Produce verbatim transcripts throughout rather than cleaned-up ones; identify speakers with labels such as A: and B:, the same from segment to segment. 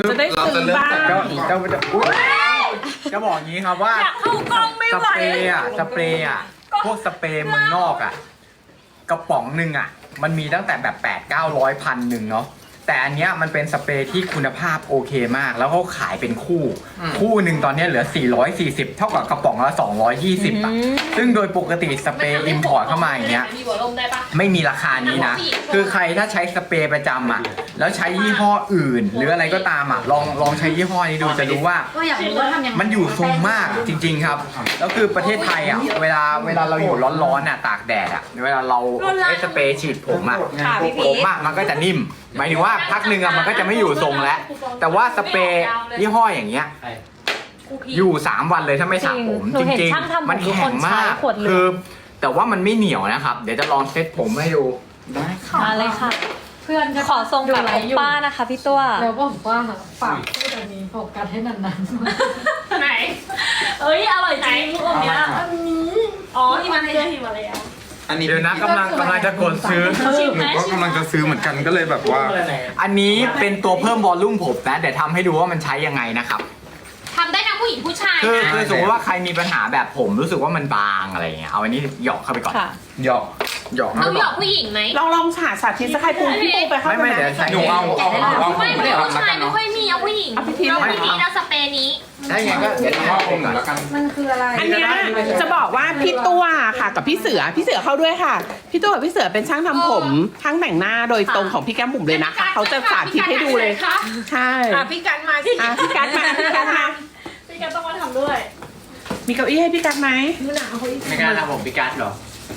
A: จะได้ซื้อบ้าง
B: เจ้าเจ้าจะอุ๊ยจะบอกอย่างนี้ครับว่า
A: อยากเข้ากล้องไม่
B: ส
A: ไหว
B: เปรย์อะสเปรย์อะพวกสเปรย์เมืองนอกอะกระป๋องหนึ่งอะมันมีตั้งแต่แบบแปดเก้าร้อยพันหนึ่งเนาะแต่อันเนี้ยมันเป็นสเปรย์ที่คุณภาพโอเคมาก แล้วเขาขายเป็นคู่ คู่หนึ่งตอนเนี้ยเหลือสี่ร้อยสี่สิบเท่ากับกระป๋องละสองร้อยยี่สิบอะซึ่งโดยปกติสเปรย์อิมพอร์ตเข้ามาอย่างเงี้ย
C: มีหัวลมได้ปะ
B: ไม่มีราคานี้นะ คือใครถ้าใช้สเปรย์ประจำอ่ะ แล้วใช้ยี่ห้ออื่น หรืออะไรก็ตามอ่ะ ลองลองใช้ยี่ห้อนี้ดูจะรู้ว่า
D: ก็อยากรู้ว่าทำยังไง
B: มันอยู่ทรงมากจริง ๆครับ แล้วคือประเทศไทยอ่ะ เวลาเวลาเราอยู่ร้อนๆอ่ะตากแดดอ่ะ เวลาเราใช้สเปรย์ฉีดผมอ่ะ
A: ค่ะพี่พี
B: ผมอ่ะมันก็จะนิ่ม หมายถึงว่าพักหนึ่งอ่ะมันก็จะไม่อยู่ทรงแล้ว แต่ว่าสเปรย์ยี่ห้ออย่างเงี้ย อยู่สามวันเลยถ้าไม่สระผม
E: หนู
B: จ
E: เห็น
B: ริง
E: ช่างทำผม
B: ๆ มัน
E: ทุก
B: แข็
E: ค
B: ง
E: นใช้
B: มาก
E: ขวดเหลือง
B: คือ แต่ว่ามันไม่เหนียวนะครับ เดี๋ยวจะลองเซ็ตผมให้ดูได้ค่ะ
E: มาเลยค่ะ
D: เพื่อนจะ
E: ขอทรงแบบโอป้านะคะพี่ตัว
D: แล้วบอกว่าฝากพูดอันนี้โฟกัสให้นาน
C: ไหน
A: เอ้ยอร่อยจริงลูกอมเนี้ย
D: ๆอันนี้
A: อ๋อที่มันให้ที่มาแล้ว
F: อันนี้
B: เดี๋ยวนะกำลังกำลังจะกดซื้อ
A: ชิม
F: ห
A: ไหม
F: นูก็กำลังจะซื้อเหมือนกันก็เลยแบบว่า
B: อันนี้เป็นตัวเพิ่มวอลลุ่มผมนะเดี๋ยวทำให้ดูว่ามันใช้ยังไงนะครับ
C: ทำได้ทั้งผู้หญิงผู้ชาย
B: คือ
C: นะ
B: คือสมมติว่าใครมีปัญหาแบบผมรู้สึกว่ามันบางอะไรอย่างเงี้ยเอาอันนี้หยอกเข้าไปก่อน
E: ค่ะ
B: หยอกหยอก
C: ต้
B: เข้า
C: อง
B: ไป
C: หย
B: ก่
C: อ
B: อก น
C: ผู้หญิงไหม
A: ลองลองสาสาธิตสักใครปูพี่ปูไปเข้า
B: ไม่
A: ไป
B: ไม่
A: นะ
B: เดี๋ยวใช้
F: หนูเอาเอาเอา
C: ไม่
F: ไม่
C: ไม่
F: ได้เอา
C: ผู้
F: แล้ว
C: ชา
F: กั
C: ย
F: น
C: ไม่
F: เนาะ
C: ค่อยมีเอาผู้หญิง
A: เอาพี่พีช
C: เรา
A: เลย
C: พี่พีชเอาสเปรย์นี้
B: ได้ไงก็เดี๋ยว
F: เอา
B: ทำ
F: เองหน่อยแล้วกัน
D: มันคืออะไร
A: อันเนี้ยจะบอกว่าพี่ตัวค่ะกับพี่เสือพี่เสือเข้าด้วยค่ะ พี่ตัวกับพี่เสือเป็นช่างทำผมช่างแต่งหน้าโดยตรงของพี่แก้มบุ๋มเลยนะคะเขาจะสาธิตให้ดูเลย
C: ค่ะ
A: ใช่
E: อ่ะพี่กันมาที่
A: อ่ะพี่กัดมาพี่กัดมา
E: พี่กันต้องมาทำด้วย
A: มีเก้าอี้ให้พี่กัดไหม
B: ไม่กล้าทำผมพิการหรอ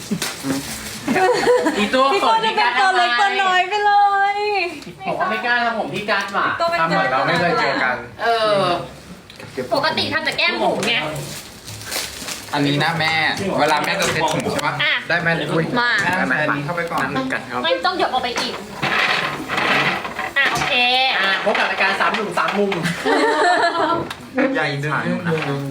G: อีตัว
E: พี่
G: ข
E: ตั
G: อ
E: ว
G: ง
E: จะ
G: พี่
E: เป็น
G: การ
E: ตัวเล็กตัวน้อยไปเลย
G: บอกว่าไม่กล้าทำผมพี่การว่ะ
E: ตัวเป็น
B: ทำเหมือนเราไม่เคยเจอกัน
G: เออ
C: ปกติทำแต่แก้มบุ๋มไง
F: อันนี้นะแม่ เวลาแม่จะเซ็ตผมใช่ปะ
C: อ่ะ
B: ได้ไหมอุ้ย
C: มา
F: แม่ใส่อันนี้เข้าไปก่อน
B: น้ำกันครับ
C: ไม่ต้องหยดออกไปอีก อ่ะโอเค
G: อ่ะพบกับรายการสามหนุ่มสามมุม
F: ใหญ่ถ่ายนะ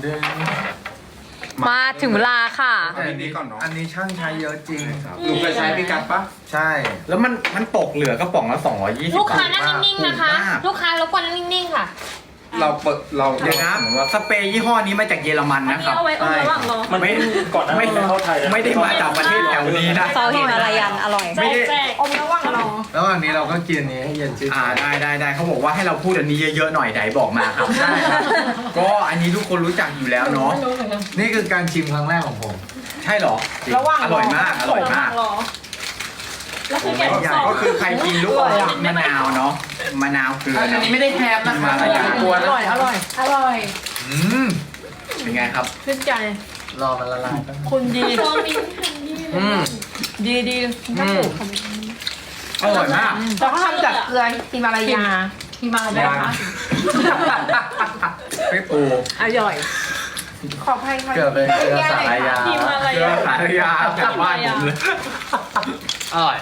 E: มาถึงเวลาค่ะ
F: เอาอันนี้ก่อนเนาะ
B: อันนี้ช่างใช้เยอะจริง
F: หนูเคยใช้พี่กัดปะ
B: ใช่ แล้วมันมันตกเหลือกระป๋องละสองร้อยยี่สิบ
C: ลูกค้านั่งนิ่งๆนะคะ ลูกค้ารบกวนนั่งนิ่งๆค่ะ
F: เราเปิดเรา
B: เดี๋ยวนะสเปรย์ยี่ห้อนี้มาจากเยอรมัน
A: อัน
B: นะ
A: นี้
B: ครับ
A: เอาไว้อมระหว่างรอ
B: มันไม่ก่อนไม่เข้าไทยไม่ได้มาจากประเทศแถวนี้นะ
E: ซอสหิมาลายันอร่อย
B: ไม่ได้
A: แจกอมระหว่างรอ
B: แล้วอันนี้เราก็กินนี้ให้เย็นชื่นอ่าได้ได้ได้เขาบอกว่าให้เราพูดอันนี้เยอะๆหน่อยไหนบอกมาครับได้ก็อันนี้ทุกคนรู้จักอยู่แล้วเนาะนี่คือการชิมครั้งแรกของผม ใช่เหรอ
A: ระหว่าง
B: อร่อยมากอร่อยมาก
A: ระหว่งรอแล้วคือแกะ
B: อย่างก็คือใครกินลูกอมมะนาวเนาะมะนาวเกลือ
G: อัน
B: เนาะ
G: นี้ไม่ได้แทบนะคะ
B: มาลาย
G: กลัว
A: อ
G: นะ
A: ร่อยอร่อย
D: อร่อย
B: อืมเป็นไงครับ
A: ชื่นใจ
B: รอมันละลายแป๊บ
A: คุณดี
G: อืม
A: ดีดี
G: อืม
B: อร่อยมาก
A: แล้วก็ทำจากเกลือฮิมาลายา
D: ที่มาได้คะ
B: ไม่ปู
A: อร่อย ขออภัยค่ะ
B: เกือบเป็นเกลือสายยา
A: ฮิมาลา
B: เกลื
A: ยา
B: อสายยาจากบ้านผมเลย
G: อร่อย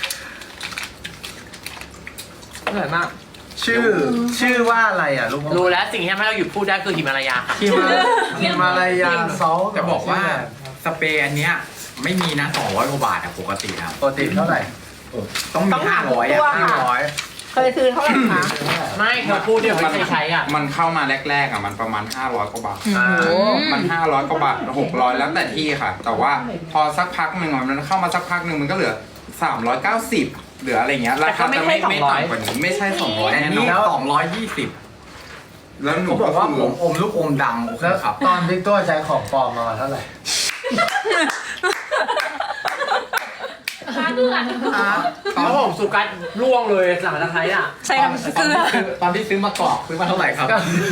G: อร่อยมาก
B: ชื่อชื่อว่าอะไรอ่ะลูก
G: รู้แล้วสิ่งที่ทำให้เราหยุดพูดได้คือหิมาลายาค่ะ
B: ฮิมาฮิมาลายาซอสจะบอกว่าสเปรย์อันเนี้ยไม่มีนะสองร้อยกว่าบาทอะปกติอะปกติเท่าไหร่ต้องมีห้าร้อยอะห้าร้อย
A: เคยซื้อเท่าไหร่คะ
G: ไม่เธอพูดเดี๋ยวไม่เคยใช้อ่ะ
F: มันเข้ามาแรกๆอ่ะมันประมาณห้าร้อยกว่าบาท มันห้าร้อยกว่าบาทหกร้อยแล้วแต่ที่ค่ะ แต่ว่าพอสักพักหนึ่งอะมันเข้ามาสักพักหนึ่งมันก็เหลือสามร้อยเก้าสิบเหลืออะไรเงี้ยราคาจะไม่ไม่ต่ำกว่านี้ไม่ใช่สองร้อย
B: อัน
F: แน่น
B: นี้
F: อน
B: สองร้อยยี่สิบ
F: แล้วหนู
B: เขาบ
F: ก็
B: อกว่า
F: คื
B: ผ
F: อ
B: มอมลูกอมดำโอเคครับ
H: ตอนพี่ตัวใช้ของปลอมมาเท่าไหร่
G: ตอนผมสุกัดร่วงเลยหลังจากใช้อ่ะ
E: ใช้น้ำเกลือ
B: ตอนที่ซื้อมากรอกซื้อมาเท่าไหร่ครับ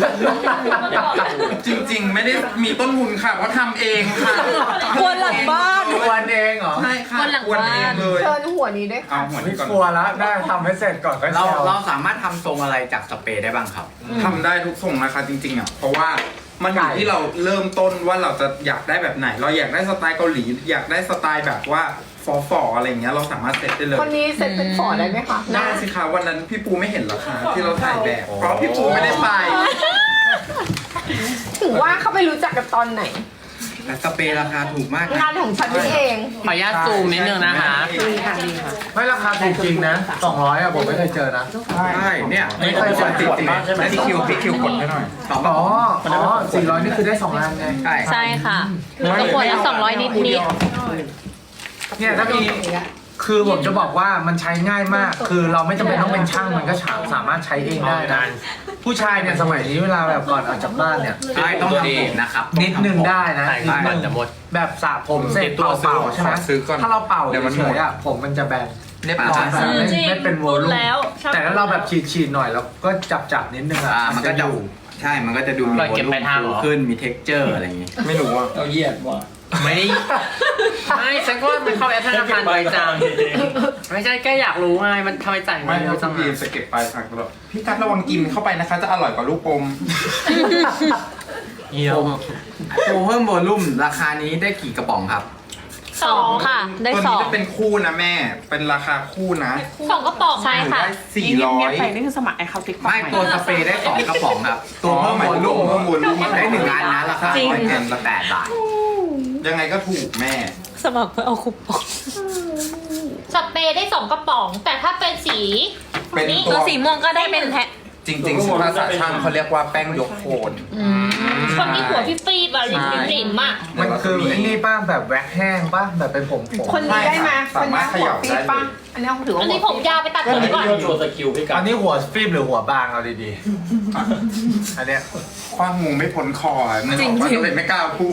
F: จริง ๆ ไม่ได้มีต้นทุนค่ะเพราะทำเองค่ะ
E: ครัวหลังบ้าน
H: ควนเองเหรอ
F: ใช่ค่ะ
C: คนหลัง
F: กวน
C: บ้าน
F: เองเลย
A: เชิญหัวนี้ด้วยค่ะ
F: เอาหัว
H: ไม่
F: นี้ก่อน
H: กลัวแล้วได้ทำให้เสร็จก่อนก็
B: เรา
H: เชียว
B: เราสามารถทำทรงอะไรจากสเปรย์ได้บ้างครับ
F: ทำได้ทุกทรงนะคะจริงๆอ่ะเพราะว่ามันอยู่ที่เราเริ่มต้นว่าเราจะอยากได้แบบไหน เราอยากได้สไตล์เกาหลีอยากได้สไตล์แบบว่าฟอฟอๆอะไรเงี้ยเราสามารถเซ็ตได้เลย
A: คนนี้เซ็ตเป็นฝอได้ไหมคะ
F: ได้สิคะวันนั้นพี่ปูไม่เห็นเหรอคะที่เราถ่ายแบบ เพราะพี่ปูไม่ได้ไป
A: ถึงว่าเขาไปรู้จักกันตอนไหน
B: และสเปรย์ราคาถูกมาก
E: งานของฉันนี่เอง
A: ขออนุญาตซูมนิดนึงนะคะดีค่ะดีค่ะ
H: ไม่ราคาถูกจริงนะสองร้อยอะผมไม่เคยเจอนะ
B: ใช่เนี่ย
H: ไม่เคยเจอ
B: ติดติดพี่คิวพี่คิวกดให้หน่อยสอง
H: อ๋ออ๋อสี่ร้อยนี่คือได้สองล้านไง
B: ใช่
E: ใช่ค่ะก็ขวดละสองร้อยนิดนิด
H: เนี่ยถ้ามีคือผมจะบอกว่ามันใช้ง่ายมาก คือเราไม่จำเป็นต้องเป็นช่างมันก็สามารถใช้เองได้นะผู้ชายเนี่ยสมัยนี้เวลาแบบก่อนออกจากบ้านเนี่ย
B: ใช่ต้องทำผมนะครับ
H: นิดนึงได้นะนิดนึง
G: จะหมด
H: แบบสระผมเสร็จ
G: ตัว
H: เป่าๆใช่ไหม
F: ซื้อก่อน
H: ถ้าเราเป่า
F: เดี๋ยวมัน
H: เฉ
F: หมด
H: ยๆอะผมมันจะแบน
B: เรียบ
H: ร้
B: ร้
H: อ
B: อย ย
H: แบบไม่
C: จริง
H: ไม่เป็นโวลูม
C: แล้วชอบ
H: แต่ถ้าเราแบบฉีดๆหน่อยแล้วก็จับๆนิดนึงอะ
B: อ่ามันก็จะใช่มันก็จะดูมี
G: ปล่อยเก็บปลายทางเหรอ
B: ขึ้นมี texture อะไรอย่างงี้
F: ไม่รู้ว่า
G: เราเหยียดว่ะไม่ได้ไม่ฉันก็มันเข้าแอปธนาคารไปจังไม่ใช่แค่อยากรู้ไงมันทำไมจ่าย
F: ไม่
G: เงิน
F: เรา
G: จั
F: จะ
G: ง
F: บีบสเก็ตปลายทางตลอดพี่กัดระวังกินเข้าไปนะคะ จะอร่อยกว่าลูกอม
G: เยี่ยม
B: โปรเพิ่มโวลุ่มราคานี้ได้กี่กระป๋องครับ
E: สองค่ะ ได้
F: ตัว
E: สอ
F: นี้
E: ง
F: จะเป็นคู่นะแม่ เป็นราคาคู่นะ
C: สองกระป๋อง
E: ใช่ค่ะ
F: ได้สี่
A: นี่
F: ร้อ
A: เงีย
F: ย
A: บๆไปนี่คือสมัครไอคาติ๊ก
B: ไม่ตัวสเปรย์ได้สองกระป๋องครับ ตัวเพิ่มโวลุ่ม
F: เพิ่มโวลุ่ม
B: ได้หนึ่งอันนะราคา
E: จริง
B: ร้อยเอ็มละแปดบาท
F: ยังไงก็ถูกแม่
E: สมัครเพื่อเอาคูปอง
C: สเปรย์ได้สองกระป๋อง แต่ถ้าเป็นสี
F: เป็น
C: นี้
F: ตัว
E: ตัวสีม่วงก็ได้เป็นแพ็ค
F: จริงๆภาษาช่างเขาเรียกว่าแป้งยกโคน
C: คนที่หัวพี่ฟีบอะริมริมริมอะ
H: มันคือไอ้นี่ป้าแบบแว็กแห้งป้าแบบเป็นผมผม
E: คนนี้ได้ไหม
F: สามารถเขย่าได้เลย
E: อันนี้ถือว่า
C: อันนี้ผมยาวไปตัดผมก่อน
G: โชว์สกิลพี่กั
H: อั
G: น
H: นนี้หัวฟิล์มหรือหัวบางเอาดีๆ อันเนี้ย
F: คว้างงูไม่พ้นคอมันบอกว่าก็เลยไม่กล้าพูด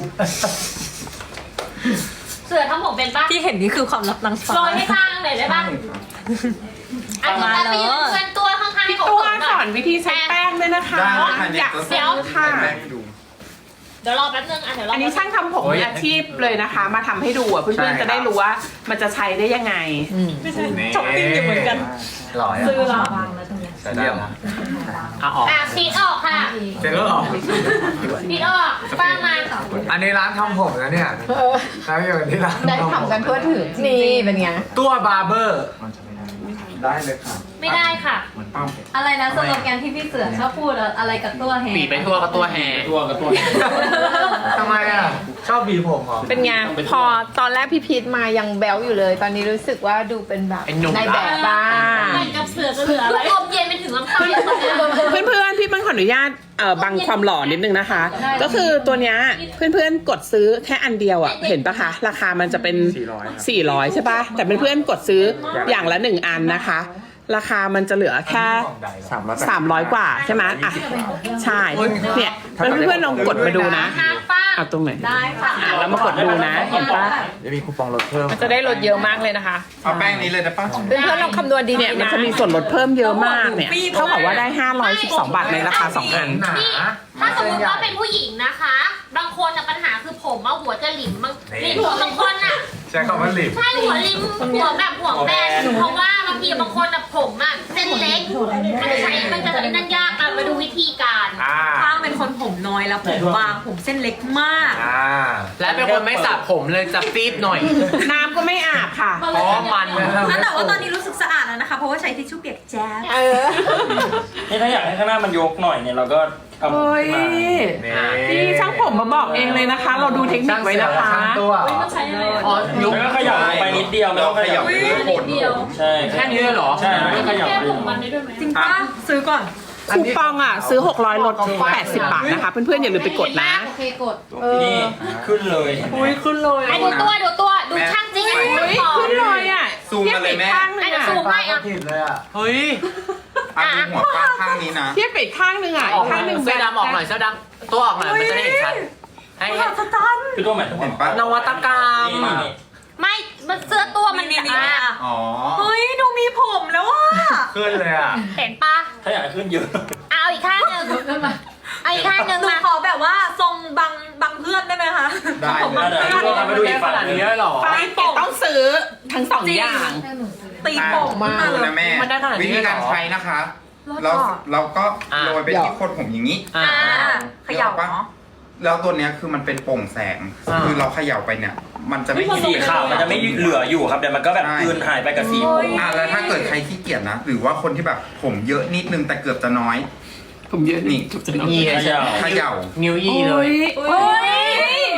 C: เสือทำผมเป็นปะ
E: ที่เห็นนี่คือความลับนางฟ้า
C: โรยให้ข้างเลยได้ปะอันนี้แต่ไปยืนเพื่อนตัวข้างๆให้
A: พี่
C: เขา
A: ตัว
C: ขนห
A: ส
C: น่
A: อ
C: อน ย
A: วิธีใช้แป้งด้วยนะคะ
F: ได้ค่ะ
A: อยาก
F: จะ
A: เซลค่ะ
F: แป้งให้ดู
C: เดี๋ยวรอแป๊บนึงอ่ะเดี๋ยวรอ
A: อั
C: อั
A: นนี้ช่างทำผมมืออาชีพเลยนะคะ มาทำให้ดูอ่ะเพื่อนๆจะได้รู้ว่ามันจะใช้ได้ยังไง
H: ช้อปปิ้งอยู่เหมือนกันหล่อ
C: ซื้อแล้ว
D: วางแล้วตรงเนี้ย
H: แต่ได้นะ
G: เอาออก
C: อ่ะซีดออกค่ะ
H: เจ๊ก็หรอ
C: ซีดออกป้ามา
H: อันนี้ร้านทำผมนะเนี่ยแล้วอยู่ที่ร้าน
E: ได้ทำกันทั่วถึงนี่เป็นไง
H: ตัวบาร์เบอร์
F: ได้เลยค่ะ
C: ไม่ได้ค่ะ
F: ปั้ม
D: อะไรนะสโลแกนที่พี่เสือชอบพูดอะอะไรกับตัวแฮ
G: ปีไปทั่วกับตัวแห่ทั่วกับตัว
H: ทำไมอ่ะ ชอบบีผมเหรอ
E: เป็นไงพอตอนแรกพี่พีทมายังแบลอยู่เลย ตอนนี้รู้สึกว่าดูเป็นแบบ
G: เป็นหนุ่ม
E: ในแบบบ้าง
C: เหมือนกับเสือจะเหลืออะไรลมเย็นไปถึงลำคอเลยตอนเนี้ย
A: เพื่อนๆ พี่เปิ้ลขออนุญาตเอ่อบังความหล่อนิดนึงนะคะ ก็คือตัวเนี้ยเพื่อนๆ กดซื้อแค่อันเดียวอ่ะ เห็นปะคะ ราคามันจะเป็น สี่ร้อยใช่ปะแต่เพื่อนๆ กดซื้ออย่างละหนึ่งอันนะคะ ราคามันจะเหลือแค่ สามร้อยกว่าใช่ไหมอ่ะ ใช่ เนี่ยเพื่อนๆ ลองกดมาดูนะ
C: ค่ะป้า
A: เอาตรงไหน
C: ได้ค่ะ
A: อ่ะแล้วมากดดูนะ เห็นปะ
F: จะมีคูปองลดเพิ่ม
A: มันจะได้ลดเยอะมากเลยนะคะ
F: เอาแป้งนี้เลยนะป้า
E: เพื่อนๆลองคำนวณดี
A: เนี่ย
E: ๆ
A: มัน
E: นะ
A: จะมีส่วนลดเพิ่มเยอะมากเนี่ย เท่ากับว่าได้ ห้าร้อยสิบสอง บาทในราคาสองอัน
H: หนา
C: นี่ถ้าสมมติว่าเป็นผู้หญิงนะคะ บางคนอะปัญหาคือผมอะหัวจะหลิมบางหลิมบางคนอะ
H: ใช้คำว่าหลิบ
C: ใช่หัวริมหัวแบบหัวแบนเพราะว่าบางทีบางคนอะผมอะเส้นเล็ก มันจะใช้มันจะนั่นยากอะมาดูวิธีการ
H: อ่า
E: ข้างเป็นคนผมน้อยแล้วผมบางผมเส้นเล็กมาก
H: อ่า
G: และเป็นคนไม่สระผมเลยจะฟีบหน่อย
A: น้ำก็ไม่อาบค่ะ
G: เพราะมัน
E: แต่ว่าตอนนี้รู้สึกสะอาดแล้วนะคะ เพราะว่าใช้ทิชชู่เปียกแจ๊บ
I: นี่ถ้าอยากให้ข้างหน้ามันยกหน่อยเนี่ยเราก็เอา
A: เฮ้ย
I: ขึ้นมา
A: นี่ช่างผมมาบอกเองเลยนะคะ เราดูเทคนิคไว้นะคะ
H: ช่างตัว
C: ใช้อะไร
G: อ๋อยุบ
I: แล้วก็ขยับลงไปนิดเดียวไม่
F: เรา
I: ต้อง
F: ข
I: ข
F: ยั
I: ยั
F: บบ เพื่อผลผม
I: ใช่
G: แค่นี้เลยเหรอ
I: ใช่ไม่ขยับ
C: แก้
I: เลย
C: ผมมันได้ด้วยไหม
E: จริงปะซื้อก่อน
A: คูปองอ่ะ ซื้อ หกร้อยลดแปดสิบบาทนะคะ เพื่อนๆ อย่าลืมไปกดนะ
D: โอเคกด
I: นี่ขึ้นเลย
A: อุ้ยขึ้นเลย
C: ไอ้ดูตัวดูตัวดูช่างจริงไอ้ดู
A: เฮ้ย
C: ของ
A: ขึ้นเลยอ่ะ
F: ซูมมาเลยแม่
A: ทีบไปอีกข้างหนึง
C: ไอ้เดี๋ยวซู
A: อ่ะ
C: มให้
H: ก็
C: อะ
H: ผิดเลยอ่ะ
G: เฮ้ย
F: อ่ะดูหัวป้าข้างนี้นะ
A: เทียบไปอีกข้างหนึงอ่ะ
G: อ
A: อี
G: อก
A: ก
G: หน่
A: ข้างหนึ
G: อย
A: ง
G: เสื้อดำออกหน่อยเสื้อดำตัวออกหน่อยมันจะได้เห็นชัดให้
I: คือตัวหมายถึง
F: เห็
I: ว่าน
F: ปะ
G: นวัตกรรม
I: นี่นี่นี่
C: ไม่มันเสื้อตัวมันเนี่ยอ่ะ
F: อ๋อ
E: เฮ้ยดูมีผมแล้วอ่ะ
H: ขึ้นเลยอ่ะ
C: เห็นปะ
I: ถ้าอยากให้ขึ้นเยอะ
C: เอาอีกข้างหนึ่งเอาอีกข้างหนึ่ง
E: หนู
C: มา
E: ขอแบบว่าทรงบางบางเพื่อนได้ไหมคะ
F: ได้เลย
I: เดี๋ยวให้ดูมาดูอีกฝั่ง
G: ขนาด
I: หนึง
G: นี้เลยเหรอ
A: ไปเก็บต้องซื้อทั้งสองอย่าง
E: ตีโป่งมา
F: ดู
E: เลย
F: นะแม่
G: มันได้ขนาดนี้
F: วิธีการ
G: เลยเหรอ
F: ใช้นะคะ เราเราก็
G: อ่ะ
F: โรยไปที่โคนผมอย่างนี้
G: อ่า
E: เขย่าเนาะ
F: แล้วตัวเนี้ยคือมันเป็นโปร่งแสง
G: อ่า
F: คือเราเขย่าไปเนี่ย มันจะไม่
I: สีขาวมันจะไม่เหลืออยู่ครับเดี๋ยวมันก็แบบกลืนหายไปกับสีผม
F: อ่ะแล้วถ้าเกิดใครขี้เกียจนะ หรือว่าคนที่แบบผมเยอะนิดนึงแต่เกือบจะน้อย
A: ผมเยอะนี่
F: นี่
G: นี่
F: เขย่า
G: นิ้วยี่เลย
A: เฮ้ย เฮ้ย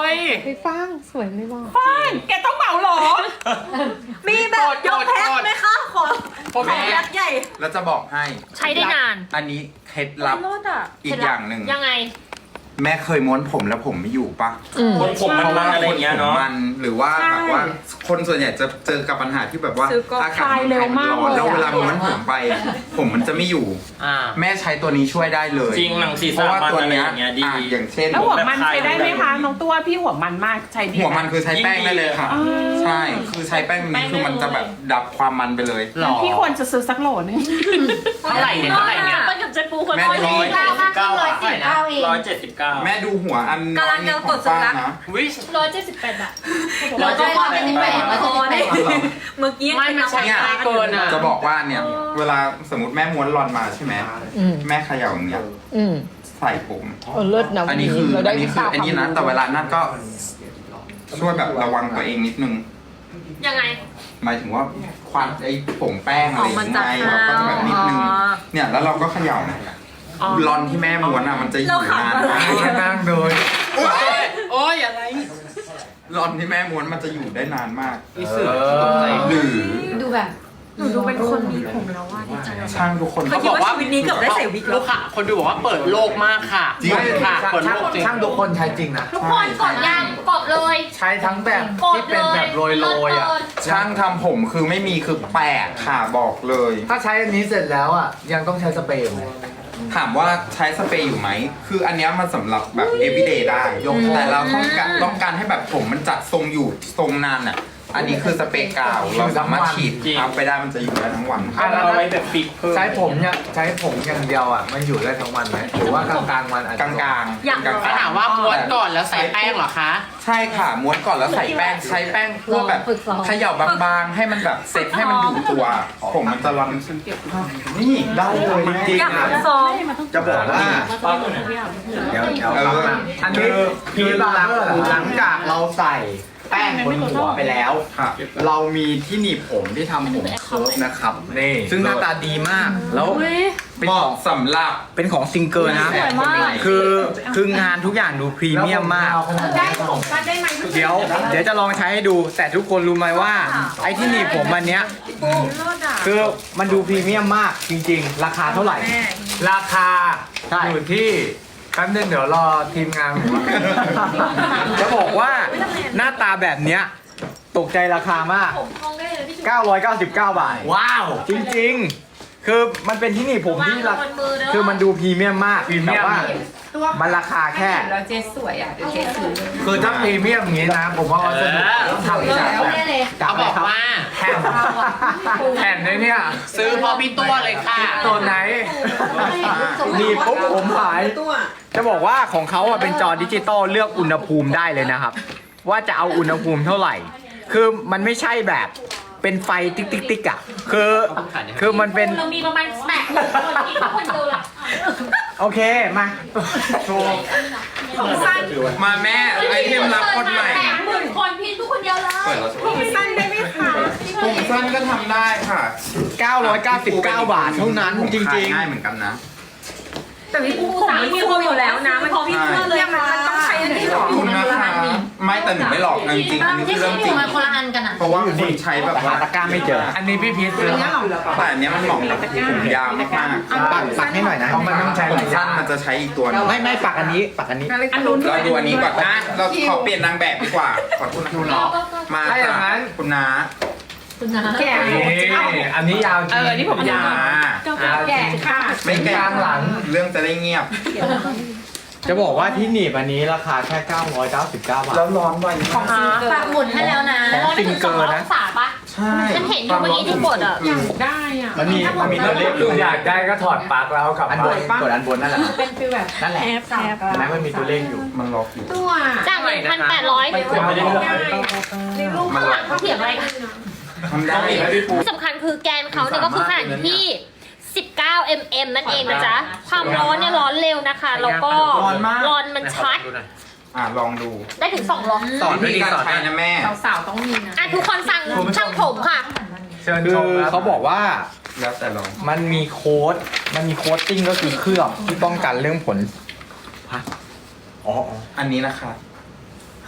A: ย
E: พี่ฟางสวยไม่บอก
A: ฟ้านแกต้องเหมาเหรอ
D: มีแบบยกแพ็คไหมคะขอขอ
F: แม่
D: แพ็คใหญ่
F: แล้วจะบอกให้
C: ใช้ได้นาน
F: อันนี้เคล็ดลับ
D: รถอ่ะ
F: อีกอย่างหนึ่ง
C: ยังไง
F: แม่เคยม้วนผมแล้วผมไม่อยู่ปะ
I: คนผมมันมาอะไรอย่างเงี้ยเนาะ
F: มันหรือว่าแบบว่าคนส่วนใหญ่จะเจอกับปัญหาที่แบบว่า
D: ซื้อก๊อก
F: อากาศมันร้อนแล้วเวลาม้วนผมไป ผมมันจะไม่อยู่
G: อ่า
F: แม่ใช้ตัวนี้ช่วยได้เลย
I: จริงหนังศีร
F: เพ
I: ษะ
F: ราะว่า
I: มัน
F: ตัว
I: อะไร
F: เนี้
I: อย ย่างเงี้ยดี
F: อ่ะอย่างเช่น
A: แล้วหัวมันใช้ได้ไหมคะน้องตัวพี่หัวมันมากใช้ดี
F: หัวมันคือใช้แป้งได้เลยค่ะ ใช่คือใช้แป้งนี้คือมันจะแบบดับความมันไปเลย
G: หรอ
A: พี่ควรจะซื้อสักโหลนึง
G: เท่าไหร่เนี่ยเท่าไหร่เนี่ย
C: มันกับเจ๊ปูคน
F: แม่
C: ร้อย
F: ดู
C: ยี่สิบเก้า
D: เก้าร้อยสี่สิบเก้าเอง
I: ร้อยเจ็ดสิบเก้า
F: แม่ดูหัวอันน้อยนิดของป้านะ
G: วิ
C: ร้อยเจ็ดสิบแปดบาท
D: เราจะพอเป็นแปดแล้วจะเป็นเมื่อกี้
G: ไม่มันใช้ง่ายเกินอ่ะ
F: จะบอกว่าเนี่ยเวลาสมมติแม่ม้วนรอนมาใช่ไหม
E: อืม
F: แม่เขย่าอย่างเงี้ย
E: อืม
F: ใส่ผม
E: เออเลิศนะ
F: อันนี้คือ
E: เราได้
F: อันนี้คือ
E: วิชา
F: อันนี้นะ
E: ความรู้
F: แต่เวลานั่นก็ช่วยแบบระวังตัวเองนิดนึง
C: ยังไง
F: หมายถึงว่าควันไอ้ผงแป้งอะไรอย่างเงี้ยเราก็จะแบบนิดนึงเนี่ยแล้วเราก็เขย่ารอนที่แม่ม้วนอ่ะมันจะอยู่นานมาก
H: นั่งโดย
G: โอ้ยโอ้ยอะไร
F: รอนที่แม่ม้วนมันจะอยู่ได้นานมาก
G: มีเสือตกใจ
F: หรือ
D: ดูแบบหนูดูเป็นคนมีผมแล้วว่าดีใจ
F: ช่างทุกคน
G: เขาบอกว่าวันนี้เกือบได้ใส่วิกลูกค่ะ คนดูบอกว่าเปิดโลกมากค่ะ
F: จริง
G: ค่ะ เปิด
H: ช่าง
G: โลกจริง
H: ช่างทุกคนใช้จริงนะ
C: ทุกคนกดยังกดเลย
H: ใช้ทั้งแบบ
C: กด
H: ที่
C: เล
H: เป็นแบ
C: ย
H: บโรยโรยๆอ่ะ
F: ช่างทำผมคือไม่มีคือแปลกค่ะบอกเลย
H: ถ้าใช้อันนี้เสร็จแล้วอ่ะยังต้องใช้สเปรย์ไหม
F: ถามว่าใช้สเปรย์อยู่ไหม คืออันเนี้ยมันสำหรับแบบ everyday ได้ยกแต่เราต้องการต้องการให้แบบผมมันจัดทรงอยู่ทรงนานอ่ะ อันนี้คือสเปรย์กาว เราสามารถฉีดทับไปได้มันจะอยู่ได้ทั้งวัน
H: อ่ะแล้ว
I: เอาไว้แบบฟิกเพิ่ม
H: ใช้ผมเนี่ยใช้ผมอย่างเดียวอ่ะมันอยู่ได้ทั้งวันไหมหรือว่ากลางกลางๆวันอาจ
F: ก
H: จะ
F: ลางกลางๆ
C: อยาก
F: กลาง
G: เขาถามว่าม้วนก่อนแล้วใส่แป้งเหรอคะ
F: ใช่ค่ะม้วนก่อนแล้วใส่แป้งใช้แป้งเพื่อแบบเขย่าบางๆ ให้มันแบบเสร็จให้มันอยู่ตัว ผมมันจะรันนี่ได้เลยจริงๆนะ
D: ซ้อม
H: จะบอกว่า เดี๋ยวเดี๋ยวฟังนะอันนี้คือหลังหลังจากเราใส่แป้งบนหัวไปแล้ว
F: ค่ะ
B: เรามีที่หนีบผมที่ทำผมเคิร์ฟนะครับ
H: นี่
B: ซึ่งหน้าตาดีมาก แล้วเป็น
F: เห
B: ข
F: มาะ
B: อง
F: สำหรับ
B: เป็นของซิงเกิลนะ
F: สวยมาก
B: คือคืองานทุกอย่างดูพรีเมียมมาก
A: ได้ผมมาได้ไหม
B: เดี๋ยว เดี๋ยวจะลองใช้ให้ดู แต่ทุกคนรู้ไหมว่า ไอ้ที่หนีบผมอันเนี้ยคือมันดูพรีเมียมมากจริงๆ ราคาเท่าไหร่
H: ราคา
B: ใช่
H: อยู่ที่แป๊บนึงเดี๋ยวรอทีมงานผม
B: จะบอกว่าหน้าตาแบบเนี้ยตกใจราคามาก
C: ผมทองได้เลยพี่ชู
B: เก้าร้อยเก้าสิบเก้า บาท
H: ว้าว
B: จริงๆ คือมันเป็นที่หนีบผมที่รา
C: วางบนมือเด้อ
B: คือมันดูพรีเมียมมาก
H: พรีเมี
B: แต่
H: ยม
B: ว่ามันราคาแค่
E: แล้วเจสวยอ่ะเดี๋ยวเจซื้อ
H: คือถ้าพรีเมียมอย่างนี้นะ ผมว่าวัสดุต้องทำจากแบบ
G: เขาบอกว่า
H: แผ่นแผ่นในเนี่ย
G: ซื้อพอพี่ตัวเลยค่ะ
H: ตัวไหน
B: หนีบปุ๊บผมหาย จะบอกว่าของเขาอะเป็นจอดิจิตอลเลือกอุณหภูมิได้เลยนะครับ ว่าจะเอาอุณหภูมิเท่าไหร่ คือมันไม่ใช่แบบเป็นไฟติ๊กติ๊กติ๊กอะคือคือมันเป็น
C: เรามีประมาณแปดคนที่ทุกคนดูหลัก
B: โอเคมาโชว์
C: ผมสั้น
F: มาแม่ไอเทมรับคนใหม่
C: แปดหมื่นคนพี่ทุกคนเดียวเลย
F: เปิดแล้วใช่ไหม
C: ผมสั้นได้ไหมคะ
F: ผมสั้นก็ทำได้ค่ะ
B: เก้าร้อยเก้าสิบเก้า บาทเท่านั้นจริง
F: ง่ายเหมือนกันนะ
D: แต่พี่ปูผมมันมีคนอยู่แล้วนะมันพอพี่เพื่อเลยมันมันต้องใช้อันนี้หรอ
F: ขอบคุณนะคะไม่แต่หนูไม่หลอกนะจริงๆอันนี้คือเรื่องจริง
C: มันคนละอันกันอ่ะ
F: เพราะว่าคนใช้แบบ
B: ๆหา
F: ว่า
B: ตะกร้าไม่เจอ
H: อันนี้พี่พีทซื้อ
F: แต่อันเนี้ยมันเหมาะกับผมยาวมากๆ
B: ปักปักให้หน่อยนะ
H: เพราะมันต้องใช้
F: ผ
H: ห
F: ม
H: ลายอ
F: สั้
H: ย่าน ง
F: มันจะใช้อีกตัวหนึง
B: ไม่ไม่ปักอันนี้ปักอันนี้
F: เราดูอันนี้ก่อนนะเราขอเปลี่ยนนางแบบดีกว่า ขอคุณนะมา
H: ถ้าอย่างนั้น
F: คุณน้า
C: คุณนะ
D: แก่
H: นี่อันนี้ยาวจริง
A: เออนี่ผมยาว
F: มา
D: แก่ค่ะ
F: ไม่แก่
H: กลางหลัง
F: เรื่องจะได้เงียบ
B: จะบอกว่าที่หนีบอันนี้ราคาแค่เก้าร้อยเก้าสิบเก้า บาท
F: แล้วร้อนไวมาก
C: ฝากหมุนให้แล้วนะ
B: ของซิงเกิลนะ
C: องศาปะ
F: ใช่
C: ฉันเห็นอยู่เมื่อกี้ที่กดอ่ะ
A: ได้อ่ะ
B: มันมีมันมีตัวเลขอยู่
H: อยากได้ก็ถอดปลั๊กแล้วเอากลับ
B: อัน
H: บ้า
B: บน
H: น
B: กดอันบนนั่นแหละ
D: เป็นฟิลแบบ
B: นั่นแหละ
D: แอปแอป
B: เห็นไหมมันมีตัวเลขอยู่
F: มันล็อกอยู่
D: ตัว
C: จากหนึ่งพันแปดร้อย
I: ไม่ได้หรอก
F: มันล็อก
C: เขาเถียงอะไรกัน
F: ทำได้
C: ที่สำคัญคือแกนเขาเนี่ยก็คือขนาดอยู่ที่ สิบเก้ามิลลิเมตร นั่นเองนะจ๊ะ ความร้อนเนี่ยร้อนเร็วนะคะ แล้วก็ร้อนมันชัด
F: อ่ะลองดู
C: ได้ถึงสองร้อย
F: สอนวิธีการใช้นะแม่
A: สาวๆต้องมีนะ
C: อ่ะทุกคนสั่งช่างผมค่ะ
H: เชิญ
B: คื
H: ช
B: อ
H: มครับ
B: เขาบอกว่า
F: แล้วแต่ลอง
B: มันมีโค้ด มันมีโค้ดติ้งก็คือเคลือบที่ป้องกันเรื่องผลฮะอ๋ออ๋อ
F: อันนี้นะคะ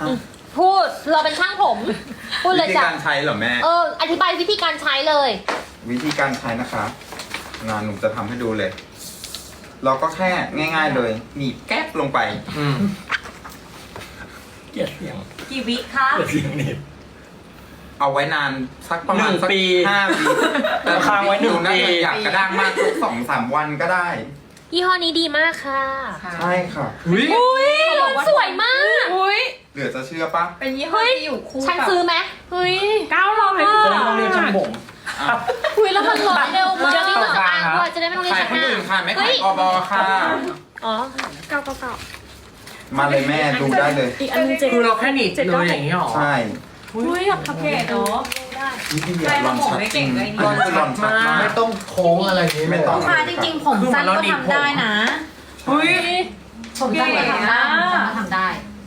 C: พูดเราเป็นช่างผม พูดเล
F: วิ
C: ย
F: ธี
C: จ้ะ
F: การใช้เหรอแม่
C: เอออธิบายวิธีการใช้เลย
F: วิธีการใช้นะคะงานหนูจะทำให้ดูเลย เราก็แค่ง่าย ๆเลยหนีบแก๊บลงไป
G: อืม
I: เกลียดเสียง
D: กี่วิคะ
I: เกลียดเสียงหนีบ
F: เอาไว้นานสักประมาณ
I: หนึ่ง
F: สัก
I: ปี
F: ห้าปีแต่
I: ค้างไว้หนึ่ง
F: ดูน่า
I: ปี
F: จะอยากกระด้างมากสักสองสามวันก็ได้
C: ยี่ห้อนี้ดีมากค่ะ
F: ใช่ค่ะ
C: อุ้ยสวยมาก
E: อุ้ย
F: เหลือจะเชื่อปะ
E: เป็นยี่ห้อที่อยู่คู่
C: ฉัน
E: กับ
C: ซื้อไหมเฮ้ย
E: เก้าร้อย
I: จะได้ไม่ต้องเรียกช่างผม
C: คุยแล้วมันร้อยเร็วมากเดี๋ยวนี้ต้องอ่านด้วยจะได้ไม่ต้องเรีย
F: ขาย
C: ก
F: คนอื่นค่ะไม่
C: เฮ้
F: ขาย
C: ย
F: กบค่ะ
C: อ๋อเก้าเก้าเก้า
F: มาเลยแม่ดูได้เลย
D: อีกอันนึงเจ็ด
G: คือเราแค่หนีบเลยอย่างนี้หรอ
F: ใช่
D: อุ้ยอยากทำเก๋เนาะ
F: วิธีอยากลองชัดจริง
D: ได้
F: ลองชัดมาก
H: ไม่ต้องโค้งอะไรอย่างนี้
F: ไม่ต้อง
D: ค่ะจริงๆผมสั้นก็ทำได้นะ
G: อุ้ย
D: ผมสั้นก็ทำได้ผมสั้นก็ทำได้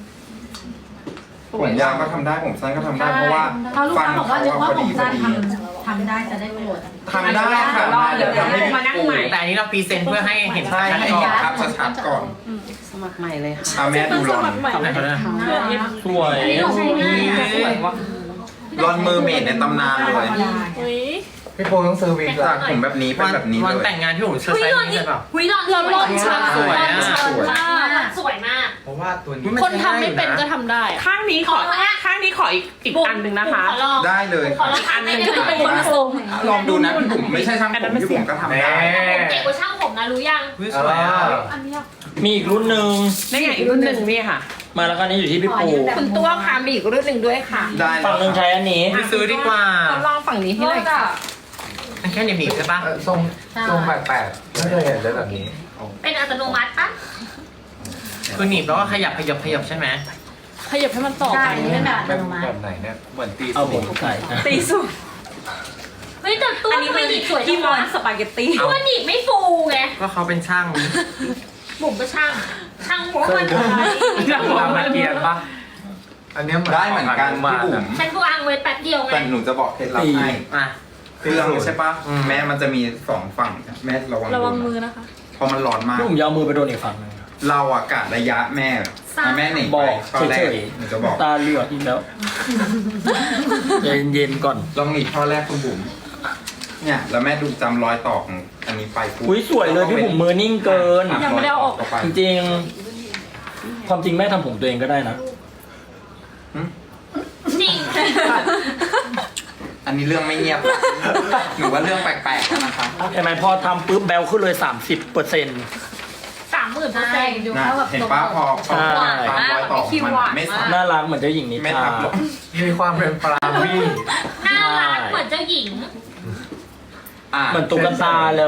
F: ผมยาวก็ทำได้ผมสั้นก็ทำได้เพราะว่า
D: เขาลูก
F: ฟัน
D: ค้าบอก
F: เขา
D: ว่านึก
F: อะ
D: ว่า
F: พอ
D: ผ
F: ดี
D: ม
F: พอ
D: สั้น
F: ดี
D: ทำทำได้จะได้โหลด
F: ทำได้ค่ะ
E: เดี๋ยว
F: ทำให้
E: มานั่งใหม่
G: แต่อันนี้เราพรีเซนต์เพื่อให้เห็น
F: ใช่
G: ชัด
F: ให้
G: ก่อ
F: เห็น
G: น
F: ภาพชัดๆก่อน
E: สมัครใหม่เลยค่ะ
F: เอาแม่ดูรอน
G: ทำไหนเขาเนี่ย
I: สวย
G: สวยว่ะ
F: รอนเมอร์เมดในตำนานเลย
H: พี่โปต้องซื้อวิก
F: จา
H: ละ
F: กผมแบบนี้เป็น
G: วัน
F: แบบนี้
G: วัน
F: เลย
G: แต่งงานพี่ผมเชิญ
C: เฮ้ย
G: ใส่
C: รอน
G: นี่
C: นี่
G: เลยเปล่า
C: เฮ้ยรอนรอนรอนชัด
G: สวยอะ
C: ชัดมากสวยมาก
H: เพราะว่าตัวนี้
G: คนทำไม่เป็นก็ทำได้
A: ข้างนี้ขอ
C: ขอละ
A: ข้างนี้ขออีกอีกอันหนึ่งนะคะ
C: ขอลอง
F: ได้เลย
C: ขอลองอันหนึงคือเป็นคนทรง
F: ลองดูนะพี่บุ๋มไม่ใช่ช่างผมพี่บุ๋มก็ทำได้
C: ผมเก่งกว่าช่างผมนะรู้ยัง
G: อุ้ยสวยอ่ะ
I: มีอีกรุ่นหนึ่ง
A: นี่ไงอีกรุ่นหนึ่งนี่ค่ะ
I: มาแล้วก็นี่อยู่ที่พี่ปู
E: คุณตัวค่ะมีอีกรุ่นหนึ่งด้วยค่ะ
F: ได้
I: ฝั่งหนึ่งใช้อันนี้
G: ไปซื้อดีกว่า
E: ทดลองฝั่งนี้ให้หน่อยค่ะ
G: มันแค่หนีบๆใช่ปะ
H: เออทรงทรงแปลกๆไม่เคยเห็นเลยแบบนี้
C: เป็นอัตโนมัติปะ
G: คือหนีบแล้วก็ขยับขยับขยับใช่ไหม
D: ขยับให้มันต่อกันเป็นแบบอั
H: แบ
D: ต
H: บ
D: โนมั
H: แบ
D: ติ
H: บไหนเนี่ยเหมือนตี
I: เอา
H: สู
I: ผม
H: ง
I: ใส่
E: ตีสุด
C: เฮ้ยแต่ตัว
E: อันนี้
C: ทำไม
E: มัน
C: หนีบสวยจั
E: ที่
C: ง
E: มอ
C: วะ
E: นสปาเกตตี้
C: เพราะว่าหนีบไม่ฟูไง
G: ก็เขาเป็นช่าง
C: บุ๋มก็ช่าง ช่างหัวมัน
G: ช่างหัวมันเกียร์ปะ
H: อันเนี้ย
F: ได้เหมือนกันพี่บุ๋ม
C: ฉันวางไว้แป๊บเดียวไง
F: แต่หนูจะบอกเคล็ดลับให้
G: อ่ะ
F: เครื่องใช่ปะ
G: อืม
F: แม่มันจะมีสองฝั่งแม่ระวัง
D: ระวัง
F: ดู
D: มือ
F: นะ
D: นะคะ
F: เพราะมันร้อนมาก
I: พี่ผมยาวมือไปโดนอีกฝั่งหนึง
F: เราอะกะระยะแม่อ่ะแม่หนี
I: บ
F: ไป
I: อก
F: ข้อแรก
I: เฉย
F: หนูจะบอก
I: ๆตาเหลือกอีกแล้วใจเย็นๆก่อน
F: ลองหนีบข้อแรกคุณบุ๋มเนี่ยแล้วแม่ดูจำรอยต่อของอันนี้ไปปุ๊บ
I: อุ้ยสวยเลยพี่ผมมือนิ่งเกิน
F: ะ
D: ยังไม่ได้เอาออก
F: รยต่ไป
I: จริงๆ ความจริงแม่ทำผมตัวเองก็ได้นะ
C: จริง
F: อันนี้เรื่องไม่เงียบละหนูว่าเรื่องแปลกๆแล้วนะคะ
I: เห็นไหมพอทำปุ๊บแบลขึ้นเลย สามสิบเปอร์เซ็นต์
C: สามหมื่นเปอร์
D: ใช่
C: เซ็นต์
D: ดู
F: นะ
D: เขาแบบ
F: เห็นป้าพอพอ
I: ใช่
F: ตามรอยต่อมันไม่สับ
I: น่ารักเหมือนเจ้าหญิงนิ
F: ไม่
I: ทรา
F: ทับหรอก
H: มีความเป็นปลาวี่
C: น่ารักเหมือนเจ้าหญิง
F: อ่ะ
I: เหมือนตุ๊กตาเลย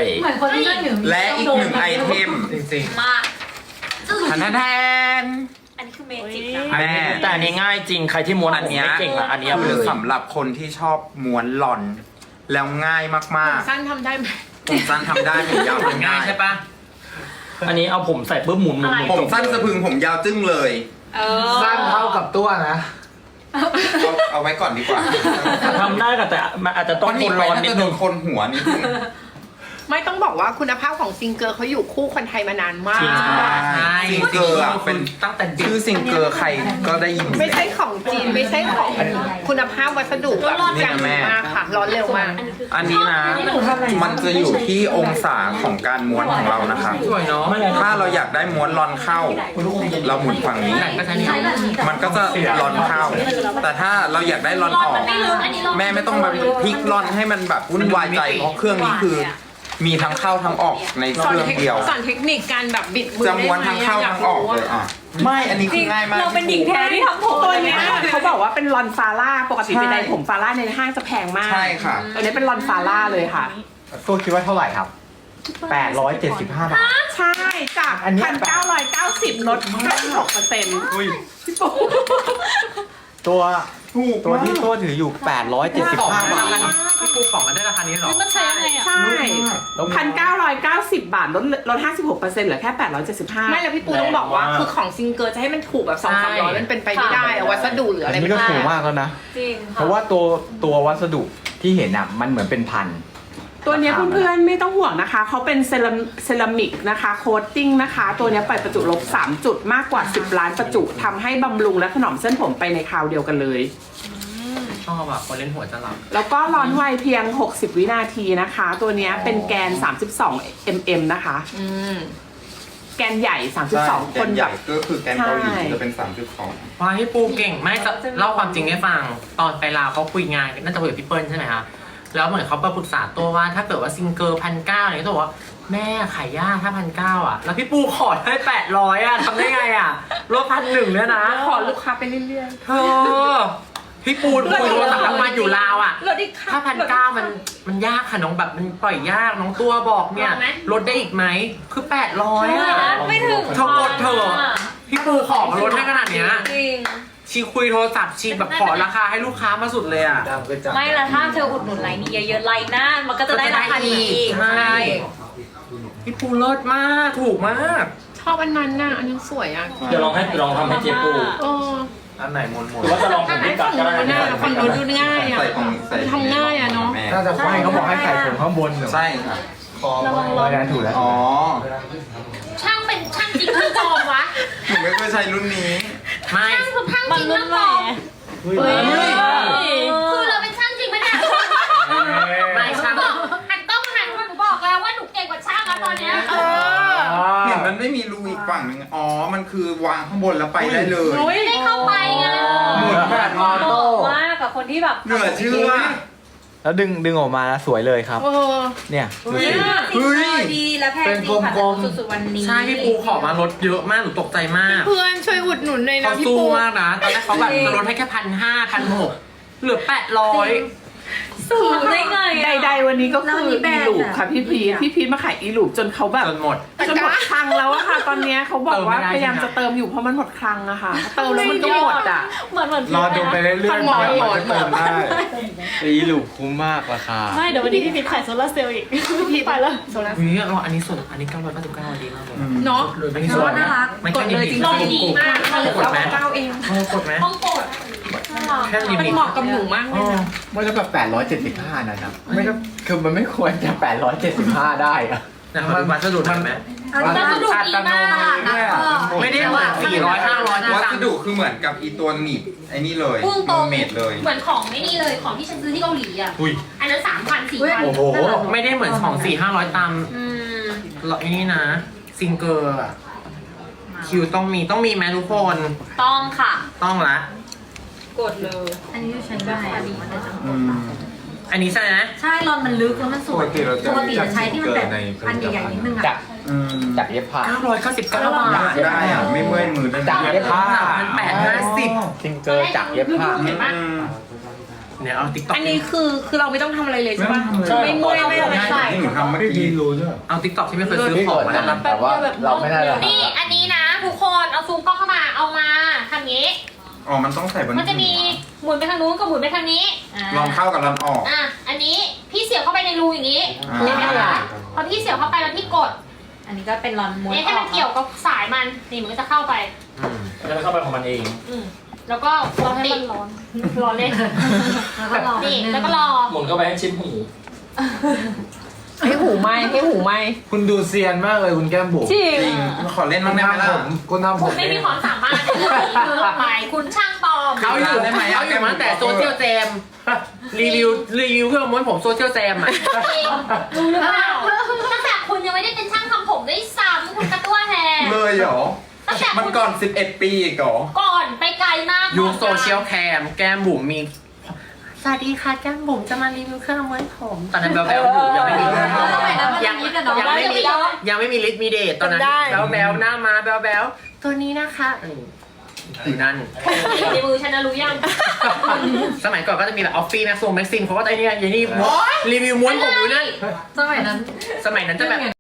D: เหมือนคนที่นั่งอยู่
F: และอีกหนึ่งไอเทม
H: จริง
C: มาจึ้ง
F: ทันทันแทน
C: อันนี้คือเมจิกนะ
F: แม่
I: แต่อันนี้ง่ายจริง ใครที่ม้วน
F: อัน
I: ผม
F: เนี้ย
I: ไม่เก่งอ่ะ อันนี้เอาไป
F: คื
I: เล
F: อย สำหรับคนที่ชอบม้วนหลอน แล้วง่ายมาก
E: สั้นทำได้ไหม
F: ๆ ผมสั้นทำได้ผมยาว
G: มัน
F: ทำ
G: ง่า
F: ได้
G: ยใช่ปะ
I: อันนี้เอาผมใส่ปุ๊บหมุนหมุนหมุน
F: ผมสั้นสะพรึงผมยาวจึ้งเลย
E: เออ
H: ๆสั้นเท่ากับตัวนะ
F: เอาเอาไว้ก่อนดีกว่า
I: ทำได้ค่ะแต่มันอาจจะต้อง
F: เพราะ
I: ท
F: นี่
I: น
F: ไป
I: ร้อน
F: น่า
I: นิด
F: จะโด
I: นึ
F: น
I: ง
F: คนหัวนิดนึง
E: ไม่ต้องบอกว่าคุณภาพของซิงเกิลเขาอยู่คู่คนไทยมานานมาก
I: จริง
G: ใช่
F: ซิงเกอร์อะเป็น
G: ตั้งแต่เด็ก
F: ชื่อซิงเกอร์ใครก็ได้ยิน
E: ไม่ใช่ของจีนไม่ใช่ของคุณภาพวัสดุแบบอย่างดีมากค่ะ ร้อนเร็วมาก
F: อันนี้นะ มันจะอยู่ที่องศาของการม้วนของเรานะคะ
G: สวยเนาะ
I: ไม่เลย
F: ถ้าเราอยากได้ม้วนรอนเข้า เราหมุนฝั่งนี้
G: ก็ใช้นี่
D: ใช้แบบนี้แต่
F: มันก็จะรอนเข้า แต่ถ้าเราอยากได้รอนออก
C: มันไม่ลึกอันนี้เรา
F: แม่ไม่ต้องมาพลิกรอนให้มันแบบวุ่นวายใจเพราะเครื่องนี้คือ มีทั้งเข้าทั้งออกในเค
E: สอน
F: รื่อง
E: เทค
F: เดียว
E: สอนเทคนิคการแบบบิดมือ
F: จะ
E: ได้
F: ม้วน
E: ไหม
F: ทั้งเข้า
E: อยา
F: ทั้
E: ก
F: งออก
E: รู้
F: เลยอ่ะ ไม่อันนี้คือง่ายมาก
E: เราเป็นหญิงแท้ที่ทำผม
A: ตัวเนี้ยเขาบอกว่าเป็นลอนฟาร่าปกติ
F: ใช่
A: ไปใดผมฟาร่าในห้างจะแพงมาก
F: ใช่ค่ะ
A: ตัวนี้เป็นลอนฟาร่าเลยค่ะ
H: ตัวคิดว่าเท่าไหร่ครับแปดร้อยเจ็ดสิบห้าบาท
A: ใช่จาก
H: อันเนี้ย
A: พันเก้าร้อยเก้าสิบลดห้าสิบหกเปอร์เซ็นต์ พี่ปู
H: ตัว
F: ถูก
H: ตัวที่ตัวถืออยู่แปดร้อยเจ็ดสิบห้าบาท
G: พี่ปูของมันได้ราคานี้เหรอ
D: มันใช้ยังไงอ่ะ
A: ใช่พันเก้าร้อยเก้าสิบบาทลดลดห้าสิบหกเปอร์เซ็นต์เหลือแค่แปดร้อยเจ็ดสิบห้า
E: ไม่แล้วพี่ปูต้องบอกว่าคือของซิงเกิลจะให้มันถูกแบบสองสามร้อยมันเป็นไปไม่ได้อะวัสดุหรืออะไร
H: อันนี้
E: ไม่
H: ก็
E: ได้
H: ถูกมากแล้วนะ
D: จริง
H: เพราะว่าตัวตัววัสดุที่เห็นอ่ะมันเหมือนเป็นพัน
A: ตัวเนี้ยเพื่อนๆไม่ต้องห่วงนะคะเขาเป็นเซราเซรามิกนะคะโคตติ้งนะคะตัวเนี้ยปล่อยประจุลบสามจุดมากกว่าสิบล้านประจุทำให้บำรุงและถนอมเส้นผมไปในคราวเดียวกันเลย
G: ชอบอะคนเล่นหัวจะหลับ
A: แล้วก็ร้อนไวเพียงหกสิบวินาทีนะคะ ตัวเนี้ยเป็นแกนสามสิบสองมิลลิเมตรนะคะ
E: อืม
A: แกนใหญ่สามสิบสอง
F: แก
A: คน
F: นให
A: แบ
F: ญ่
A: บ
F: ก็คือแกนเกาหลี
A: ใช่
F: จะเป็นสามจุดสอง
G: ว้ายพี่ปูเก่งไม่จะเล่าความจริงให้ฟัง ตอนไปลาวเขาคุยงานน่าจะคุยกับพี่เปิ้ลใช่ไหมคะแล้วเหมือนเขาไปปรึกษาตัวว่าถ้าเกิดว่าซิงเกิลพันเก้าเนี่ยตัวว่าแม่ขายยากถ้าพันเก้าอ่ะ แล้วพี่ปูขอได้แปดร้อยอ่ะทำได้ไงอ่ะลดพันหนึ่งเนี่ยนะ
E: ขอลูกค้าไปเรื่อย
G: เธอพี่ปูนคุยโทรศัพท์ทำงานอยู่ลาวอ่ะ
E: ๆลดอีกค่ะ
G: ถ้าพันเก้ามันมันยากค่ะน้องแบบมันปล่อยยากน้องตัวบอกเนี่ยลดได้อีกไหมคือแปดร้อยอ่ะ
C: ไม่ถึง
G: เธอกดเถอะพี่ปูขอมาลดให้ขนาดเนี้ย
E: จริง
G: ชีคุยโทรศัพท์ชีแบบขอราคาให้ลูกค้ามาสุดเลยอ่ะ
H: ดำก็จับ
D: ไม่ละถ้าเธออุดหนุนไลน์นี้เยอะๆไลน์หน้ามันก็จะได้ราคาดีอีก
G: ใช่พี่ปูเลิศมากถูกมาก
E: ชอบอันนั้นน่ะอันนั้นสวยอ่ะ
I: เดี๋ยวลองให้ลองทำให้เจ๊ปู
E: เออ
H: อันไหนมนม
I: หรือว่าจะลองผมพี่กัดก็ได้
E: ฝั่งนู้น
I: นะ
E: น่ะฝั่งนู้นดูง่ายอ่ะ
F: ใส่ของใส่
E: ทำง่ายอะเนอะ
F: แม่
H: น่าจะไม่เขาบอกให้ใส่ผมข้างบนเหรอ
F: ใช่ค่ะ
H: คอไม่ได้ถูกแล้ว
F: อ๋อ
C: ช่างเป็นช่างจริงช่างปลอมวะ
F: หนูไม่เคยใช้รุ่นนี้
G: ไม่
C: ช่างคือช่างจริงช่างปลอม
H: เฮ้ย
C: คือเราเป็นช่างจริงไหมเนี่ย
G: ไม่ช่าง
C: บอกหันกล้องมาหันมาหนูบอกแล้วว่าหนูเก่งกว่าช่างแล้วตอนเนี้ย
F: เห็นมันไม่มีรูอีกฝั่งหนึ่งอ๋อ มันคือวางข้างบนแล้วไปได้เลย
C: ไม่ได้เข้าไปไง
H: หมุนแบบออ
D: เห
H: โต้
D: มาะมากกับคนที่แบบ
F: เหนือเชื่อ
H: แล้วดึงดึงออกมาแล้วสวยเลยครับ
E: เออ
H: เนี่ยดูสิ
F: เฮ้ย
D: ดีและแพง
H: เป็น
D: จริงค่ะ
H: กลมๆ
D: สุดๆวันนี้
G: ใช่พี่ปูขอมาลดเยอะมากหนูตกใจมาก
E: เพื่อนช่วยอุดหนุนหน่อยนะ
G: เขา
E: พี่
G: สู้
E: ปู
G: มากนะตอนแรกเขาแบบจะลดให้แค่พันห้าพันหกเหลือแปดร้อย
D: สูงได้ไงอะ
A: ใดๆวันนี้ก็
D: แล้ว
A: คือ
D: วันนี้แบร
A: อี
D: นด์
A: ลูป
D: อะ
A: ค่ะพี่พีทพี่พีทมาขายอีลูปจนเขาแบบ
G: จนหมด
A: จนหมดคลังแล้วอะค่ะ ตอนเนี้ยเขาบอกว่า
G: เติมไม่ได้
A: พยายามจะเติมอยู่เพราะมันหมดคลังอะค่ะ เติมแล้วมันก็หมดอะ
D: เหมือนเหมือน
H: รอดูไปเรื่อยๆ
E: พันหมอ
H: เผื่อ
E: หมอ
H: มันจะเติมได้อีลูกคุ้มมากราคา
D: ไม่เดี๋ยววันนี้พี่พิมขายโซลาร์เซลล์อีกพี่ไปแล้วโซลาร์
G: วันนี้เราอันนี้ส่วนอันนี้เก้าร้อยเก้าสิบเก้าดีมากเลย
E: เนาะ
G: อันนี้ส่วน
D: น่ารัก
G: ไม่ใช่ลิมิต
C: ลองดีมาก
G: กดไหม
E: เก้าเอง
G: เออกดไหม
C: ต้องกด
G: แค่ลิ
E: มัน
G: มิต
E: เหมาะกับหนูมากเลยนะ
H: ไม่แล้วแบบแปดร้อยเจ็ดสิบห้านะครับไม่ต้องคือมันไม่ควรจะแปดร้อยเจ็ดสิบห้าได้อะ
G: นะครับวัสดุมันไหม
C: วัสดุดีมาก
H: เนี่ย
G: ไม่ได้เหมือนสี่ร้อยห้าร้อย
F: วัสดุคือเหมือนกับอีตัวหนีบไอ้นี่เลย
C: พูดตรง
F: เมดเลย
C: เหมือนของไม่นี่เลยของที่ฉันซื้อที่เกาหลีอ่ะ
G: อุ้ย
C: อันนั้นสามพันสี่พัน
H: โอ้โห
G: ไม่ได้เหมือนของสี่ห้าร้อยตาม
C: อืม
G: หรอกนี่นะซิงเกอร์อะคิวต้องมีต้องมีไหมทุกคน
D: ต้องค่ะ
G: ต้องละ
D: กดเลย อันนี้ใช้ได้อันนี้มันจะ
H: อืม
G: อันนี้ใช่ไหม
D: ใช่รอนมันลึกแล้วมันสวย
H: ปกติเราจะ
D: ปกติจะใช้ที่มันแบบอันใหญ่ๆนิดนึงอะ
H: อืมจากเย็บผ้า
G: เก้าร้อยเก้าสิบเก้าบา
F: อยา
G: ท
F: กได้อ่ะ ไม่เมื่อยมือด้วยนะ
H: จากเย็บผ้า
G: มันแปดห้าสิบ
H: ซิงเกอร์จากเย็บผ้า
F: อืม
G: เนี่ยเอาติ๊กต็อก
E: อันนี้คือคือเราไม่ต้องทำอะไรเลยใช่ปะ
H: ไม่
E: ไม่เมื่อยไม่อะไรใส่
F: ที่หนูทำเมื่อกี้
H: รู้ใช่ไหม
G: เอาติ๊กต็อกที่ไม่เคยซื้อของมาแล้วนะ
H: แต่ว่าเราไม่ได้หรอก
C: นี่อันนี้นะทุกคนเอาซูมกล้องเข้ามาเอามาทำงี้
F: อ๋อ มันต้องใส่บน
C: มันจะมีหมุนไปทางนู้นกับหมุนไปทางนี้
F: ลองเข้ากับลอนออก
C: อ่ะ อันนี้พี่เสียบเข้าไปในรูอย่างนี้
F: อ่า
C: เห็นไหมคะพอพี่เสียบเข้าไปแล้วพี่กด
D: อันนี้ก็เป็นรอนม้วน
C: เนี่ยให้มันเกี่ยวกับสายมัน นี่มันก็จะเข้าไป
I: จะเข้าไปของมันเอง
C: อืมแล้วก็รอให้มันร้อน ร้อนเลย
D: แล้วก็รอ
C: นี่ แล้วก็รอ
I: หมุนเข้าไปให้ชิดหู
E: ให้หูไหมให้หูไหม
H: คุณดูเซียนมากเลยคุณแก้มบุ๋ม
E: จริง
F: จริง ขอเล่น
H: คุ
F: บ้าง
H: ณ
F: ได้ไหม
H: ทำ
F: ล่ะ
H: ผมคุณทำผ
C: คุ
H: ม
C: ณไม่มีความสามารถในเรื่องนี้คือหมายคุณช่างปลอม
G: เขาอยู่
F: ได้ไหมอะ
G: เขาอยู่มาตั้งแต่โซเชียลแจมรีวิวรีวิวเครื่องม้วนผมโซเชียลแจมอ่ะ
C: จริงรู้หรือเปล่าตั้งแต่คุณยังไม่ได้เป็นช่างทำผมด้วยซ้ำคุณกระตัวแฮ
F: เลยเหรอ
C: ตั้งแต่
F: มัน
C: คุณ
F: ก่อนสิบเอ็ดปีอีกเหรอ
C: ก่อนไปไกลมาก
G: ยูโซเชียลแคมแก้มบุ๋มมี สวัสดีค่ะแก้มบุ๋มจะมารีวิวเครื่องม้วนผมตอนนั้นแบลแบลอยู่ยังไม่มียังยังไม่มียังไม่มีลิทมีเดทตอนนั้นแบลแบลหน้ามาแบลแบลตัวนี้นะคะอยู่นั่น
C: ในมือฉันนะรู้ยัง
G: สมัยก่อนก็จะมีแบบออฟฟี่แม็กซ์โซแม็กซิมเขาก็จะไอ้นี่ไอ้นี่รีวิวม้วนผมอยู่นั่น
D: สมัยนั้น
G: สมัยนั้นจะแบบ